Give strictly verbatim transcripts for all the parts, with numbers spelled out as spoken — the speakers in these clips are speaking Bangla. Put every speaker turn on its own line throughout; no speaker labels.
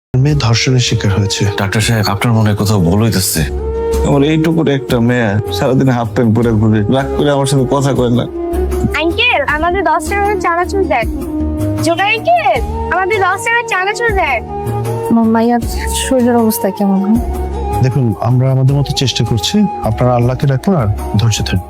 মেয়ে ধর্ষণের শিকার হয়েছে।
ডাক্তার সাহেব, আপনার মনে কোথাও ভুল হইতেছে।
আমার এইটুকুর একটা মেয়ে সারাদিন হাফ প্যান্ট পরে ঘুরে, রাগ করে আমার সাথে কথা কয় না।
আঙ্কেল আমাদের দশ টাকার চানাচুর দেন। জোগাড় আঙ্কেল আমাদের দশ টাকার চানাচুর দেন।
মাইয়ার শরীরের অবস্থা কেমন?
দেখুন, আমরা আমাদের মতো চেষ্টা করছি, আপনারা আল্লাহকে রাখুন আর ধৈর্য ধরুন।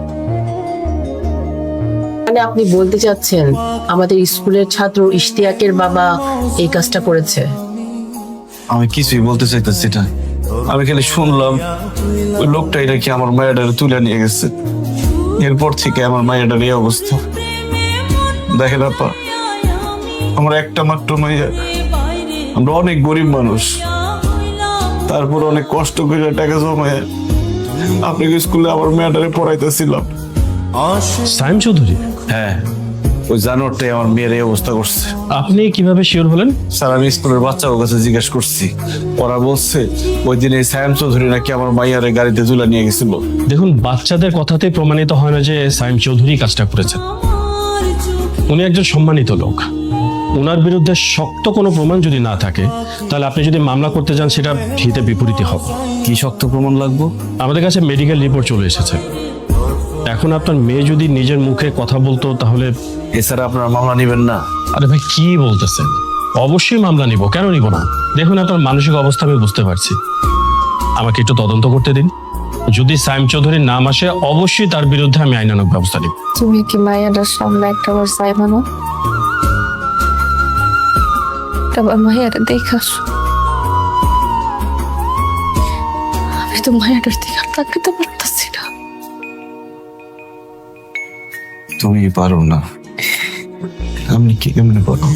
মানে আপনি বলতে চাচ্ছেন আমাদের স্কুলের ছাত্র ইশতিয়াকের বাবা এই কাজটা করেছে?
আমি কিছুই বলতে চাইতেছি না, আমি খালি শুনলাম ওই লোকটাই নাকি আমার মায়ের তুলে নিয়ে গেছে। এরপর থেকে আমার মায়ের এই অবস্থা। দেখেন আপা, আমার একটা মাত্র মাইয়া, আমরা অনেক গরিব মানুষ, তারপর অনেক কষ্ট করে টাকা জমায় আপনাকে স্কুলে আমার মেয়েটারে পড়াইতেছিলাম।
সাইম চৌধুরী?
হ্যাঁ, ওই জানোয়ারটাই আমার মেয়ের এই অবস্থা করছে।
আপনি কিভাবে শিওর হলেন?
স্যার, আমি স্কুলের বাচ্চাদের কাছে জিজ্ঞেস করছি, ওরা বলছে ওই দিন এই সাইম চৌধুরী নাকি আমার মাইয়ারে গাড়িতে তুলে নিয়ে গেছিল।
দেখুন, বাচ্চাদের কথাতে প্রমাণিত হয় না যে সাইম চৌধুরী কাজটা করেছেন। উনি একজন সম্মানিত লোক, ওনার বিরুদ্ধে শক্ত কোনো প্রমাণ যদি না থাকে তাহলে আপনি যদি মামলা করতে যান সেটা হিতে বিপরীতই হবে।
কি শক্ত প্রমাণ লাগবো?
আমাদের কাছে মেডিকেল রিপোর্ট চলে এসেছে। এখন আপনার মেয়ে যদি নিজের মুখে কথা বলতো তাহলে।
এছাড়া আপনারা মামলা নেবেন না?
আরে ভাই, কি বলতেছেন? অবশ্যই মামলা নিব, কেন নিব না? দেখুন, আপনার মানসিক অবস্থা আমি বুঝতে পারছি, আমাকে একটু তদন্ত করতে দিন। যদি সাইম চৌধুরীর নাম আসে অবশ্যই তার বিরুদ্ধে আমি আইনানুগ ব্যবস্থা নিব।
তুমি কি মাইয়াটার সামনে একটা বার চাইবা না? আবার মাইয়াটা দেখাস। আমি তো মাইয়াটার দিকে তাকাতে পারতাছি না।
তুমি পারো না, আমি কি কেমনে পারো?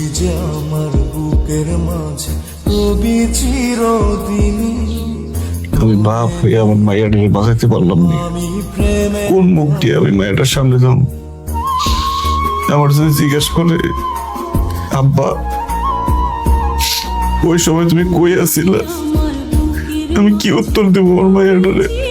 আমি বাপ হয়ে আমার মায়ের বাঁচাতে পারলাম না। কোন মুখ দিয়ে আমি মায়ের সামনে যাম? আমার যদি জিজ্ঞেস করে, আব্বা ওই সময় তুমি কই আছিলা, আমি কি উত্তর দেবো আমার মায়ের?